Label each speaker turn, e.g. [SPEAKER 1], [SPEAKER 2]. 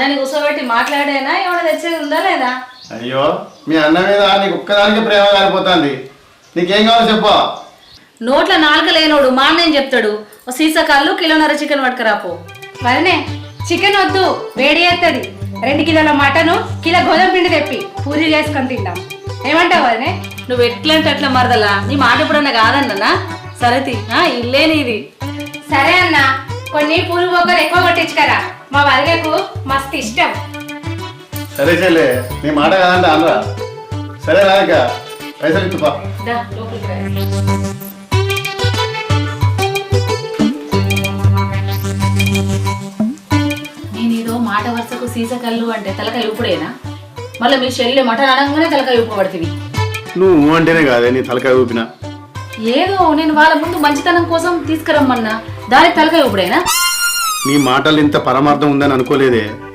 [SPEAKER 1] అన్నని కూర్చోబెట్టి మాట్లాడేనా ఏమైనా తెచ్చేది ఉందా లేదా?
[SPEAKER 2] అయ్యో మీ అన్న మీద నీకు ఒక్కదానికి ప్రేమ కాలిపోతుంది. నీకేం కావాలో చెప్పు.
[SPEAKER 1] నోట్ల నాలుక లేనోడు మా అన్న ఏం చెప్తాడు? ఓ సీసా కళ్ళు కిలోన్నర చికెన్ పట్టుకురాపో.
[SPEAKER 3] వదినే చికెన్ వద్దు, వేడి చేస్తుంది. 2 కిలోల మటను, కిలో గోధుమ పిండి తెప్పి పూరి చేసుకొని తిందాం. ఏమంటావు వదినే?
[SPEAKER 1] నువ్వు ఎట్లంటే అట్లా మరదలా, నీ మాట ఎప్పుడన్నా కాదన్నా? సరేతి ఇల్లే నీది.
[SPEAKER 3] సరే అన్న, కొన్ని పూలు బొగ్గలు ఎక్కువ కొట్టించుకరా, మా వదిలేకు మస్తు ఇష్టం.
[SPEAKER 2] సరే చెల్లె, నీ మాట కాదంటే అనరా. సరే రాక పైసలు ఇచ్చుపా.
[SPEAKER 1] దా లోపలికి రా. నేనేదో మాట వరుసకు సీసా కళ్ళు అంటే తలకాయ ఊపుడేనా? మళ్ళీ మీ చెల్లి మటన్ అనగానే తలకాయ ఊపు పడుతుంది.
[SPEAKER 2] నువ్వు అంటేనే కాదే నీ తలకాయ ఊపినా.
[SPEAKER 1] ఏదో నేను వాళ్ళ ముందు మంచితనం కోసం తీసుకురమ్మన్నా, దానికి తలకాయ ఊపుడేనా?
[SPEAKER 2] నీ మాటలు ఇంత పరమార్థం ఉందని అనుకోలేదే.